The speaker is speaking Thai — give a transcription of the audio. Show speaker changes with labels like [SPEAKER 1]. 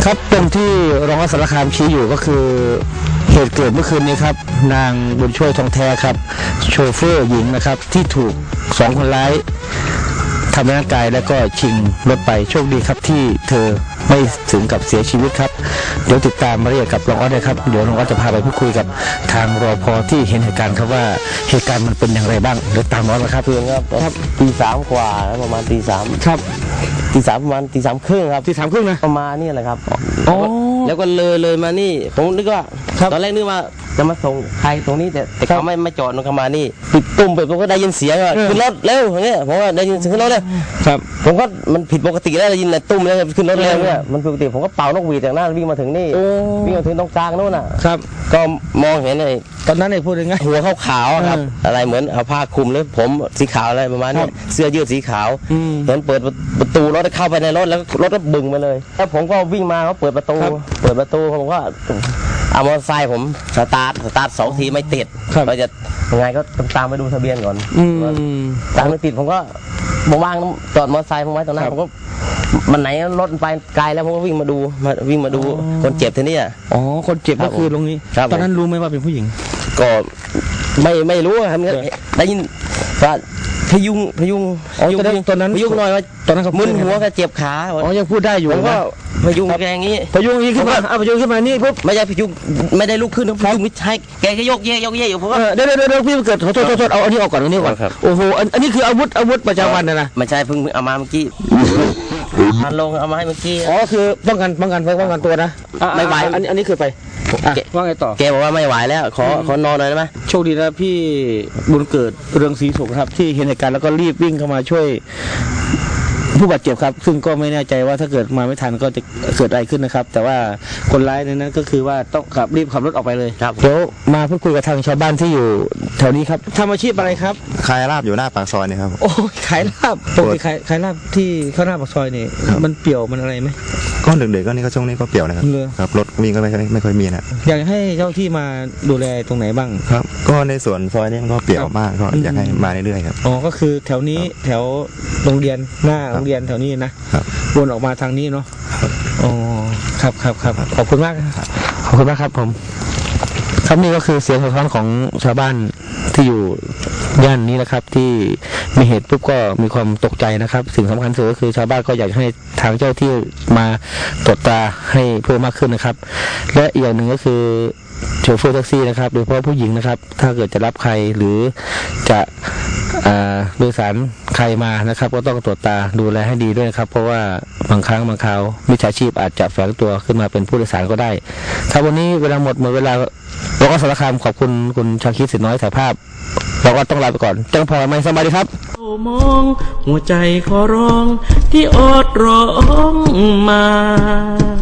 [SPEAKER 1] ครับตรงที่รองอัสสารคามชี้อยู่ก็คือเหตุเกิดเมื่อคืนนี้ครับนางบุญช่วยทองแท้ครับโชเฟอร์หญิงนะครับที่ถูก2 คนร้ายทำร้ายร่างกายแล้วก็ชิงรถไปโชคดีครับที่เธอไม่ถึงกับเสียชีวิตครับเดี๋ยวติดตามมาเรียกกับรองออสเลยครับเดี๋ยวรองออสจะพาไปพูดคุยกับทางรปภที่เห็นเหตุการณ์ครับว่าเหตุการณ์มันเป็นอย่างไรบ้างเดี๋ยวตามรองออสนะครับ
[SPEAKER 2] เพื่อนครับตี 3 กว่าประมาณตี 3
[SPEAKER 1] ครับ
[SPEAKER 2] ตี 3ประมาณตี 3 ครึ่งครับ
[SPEAKER 1] ที่3 ครึ่งนะ
[SPEAKER 2] ประมาณนี่แหละครับ
[SPEAKER 1] อ๋อ
[SPEAKER 2] แล้วก็เลยมานี่ผมนึกว่าตอนแรกนึกว่าจะมาส่งใครตรงนี้แต่เขาไม่จอดลงมานี่ปิดตุ่มไปผมก็ได้ยินเสียงว่าขึ้นรถเร็วอย่างเงี้ยผมว่าได้ยินเสียงขึ้นรถเลย
[SPEAKER 1] ครับ
[SPEAKER 2] ผมก็มันผิดปกติแล้วได้ยินแต่ตุ้มแล้วขึ้นรถเร็วเนี่ยมันปกติผมก็เป่านกหวีดจากหน้าวิ่งมาถึงนี่วิ่งมาถึงตรงกลางโน่นน่ะ
[SPEAKER 1] ครับ
[SPEAKER 2] ก็มองเห็นไอ้
[SPEAKER 1] ตอนนั้นไอ้พูดยังไง
[SPEAKER 2] หัวขาวๆครับอะไรเหมือนเอาผ้าคลุมหรือผมสีขาวอะไรประมาณนี้เสื้อยืดสีขาวเห็นเปิดประตูรถเข้าไปในรถแล้วรถก็บึงไปเลยแล้วผมก็วิ่งมาเขาเปิดประตูผมก็เอามอเตอร์ไซค์ผมสตาร์ท2 ทีไม่ติดเราจะยังไงก็ต้องตามไปดูทะเบียนก่อนตามไม่ติดผมก็ว่างจอดมอเตอร์ไซค์ผมไว้ตรงนั้นผมก็มันไหนรถไปไกลแล้วผมก็วิ่งมาดูคนเจ็บทีนี้
[SPEAKER 1] อ๋อคนเจ็บก็คือตรงนี้ตอนนั้นรู้ไหมว่าเป็นผู้หญิง
[SPEAKER 2] ก็ไม่รู้ครับได้ยินว่าพยุง
[SPEAKER 1] ตอนนั้น
[SPEAKER 2] พยุงหน่อยว่า
[SPEAKER 1] ตอนนั้นเขา
[SPEAKER 2] มึนหัวก็เจ็บขา
[SPEAKER 1] อ๋อยังพูดได้อยู่
[SPEAKER 2] ผมก็พยุงแกอย่างนี้
[SPEAKER 1] พยุงขึ้นมาพยุงขึ้นมานี่ปุ๊บ
[SPEAKER 2] ไม่ใช่พยุงไม่ได้ลุกขึ้นนะพยุงไม่ใช่แกก็ยกเย่อยู่ผมก็
[SPEAKER 1] เดี๋ยวพี่เกิดโทษเอาอันนี้ออกก่อนโอ้โหอันนี้คืออาวุธประจำวันนะ
[SPEAKER 2] ไม่ใช่เพิ่งเอามาเมื่อกี้มันลงเอามาให้เมื่อกี้
[SPEAKER 1] อ๋อคือป้องกันตัวนะ
[SPEAKER 2] ไม่ไหว
[SPEAKER 1] อันนี้คือไปว่าไงต่อ
[SPEAKER 2] แกบอกว่าไม่ไหวแล้วขอนอนหน่อยได้ไหม
[SPEAKER 1] โชคดีนะพี่บุญเกิดเรืองศรีสุขครับที่เห็นเหตุการณ์แล้วก็รีบวิ่งเข้ามาช่วยผู้บาดเจ็บครับซึ่งก็ไม่แน่ใจว่าถ้าเกิดมาไม่ทันก็จะเกิดอะไรขึ้นนะครับแต่ว่าคนร้ายนั้นก็คือว่าต้องรีบขับรถออกไปเลย
[SPEAKER 2] ครับ
[SPEAKER 1] เดี๋ยวมาพูดคุยกับทางชาวบ้านที่อยู่แถวนี้ครับทำอาชีพอะไรครับ
[SPEAKER 3] ขายลาบอยู่หน้าปากซอยนี่ครับ
[SPEAKER 1] โอ้ขายลาบปกติขายลาบที่ข้างหน้าปากซอยนี่มันเปี่ยวมันอะไรไหม
[SPEAKER 3] ก็เด็กๆก็นี่ก็ช่วงนี้ก็เปี่ยวนะครับครับรถวิ่งก็ไม่ค่อยมีนะ
[SPEAKER 1] อยากให้เจ้าที่มาดูแลตรงไหนบ้าง
[SPEAKER 3] ครับก็ในส่วนซอยนี้มันก็เปี่ยวมากก็อยากให้มาเรื่อยๆครับ
[SPEAKER 1] อ๋อก็คือแถวนี้แถวโรงเรียนหน้าโรงเรียนแถวนี้นะครับวนออกมาทางนี้เนาะอ๋อครับขอบคุณมากขอบคุณมากครับผมครับนี่ก็คือเสียงสะท้อนของชาวบ้านที่อยู่ย่านนี้นะครับที่มีเหตุปุ๊บก็มีความตกใจนะครับสิ่งสำคัญสุดก็คือชาวบ้านก็อยากให้ทางเจ้าที่มาตรวจตาให้เพิ่มมากขึ้นนะครับและอีกอย่างหนึ่งก็คือโชเฟอร์แท็กซี่นะครับโดยเฉพาะผู้หญิงนะครับถ้าเกิดจะรับใครหรือจะโดยสารใครมานะครับก็ต้องตรวจตาดูแลให้ดีด้วยนะครับเพราะว่าบางครั้งบางคราวมิจฉาชีพอาจจะแฝงตัวขึ้นมาเป็นผู้โดยสารก็ได้ถ้าวันนี้เวลาหมดเวลาเราก็สารคามขอบคุณคุณชาคิดสิทธิ์น้อยถ่ายภาพเราก็ต้องลาไปก่อนจังพอไม่สบายดีครับ
[SPEAKER 4] มองหัวใจขอร้องที่อดร้องมา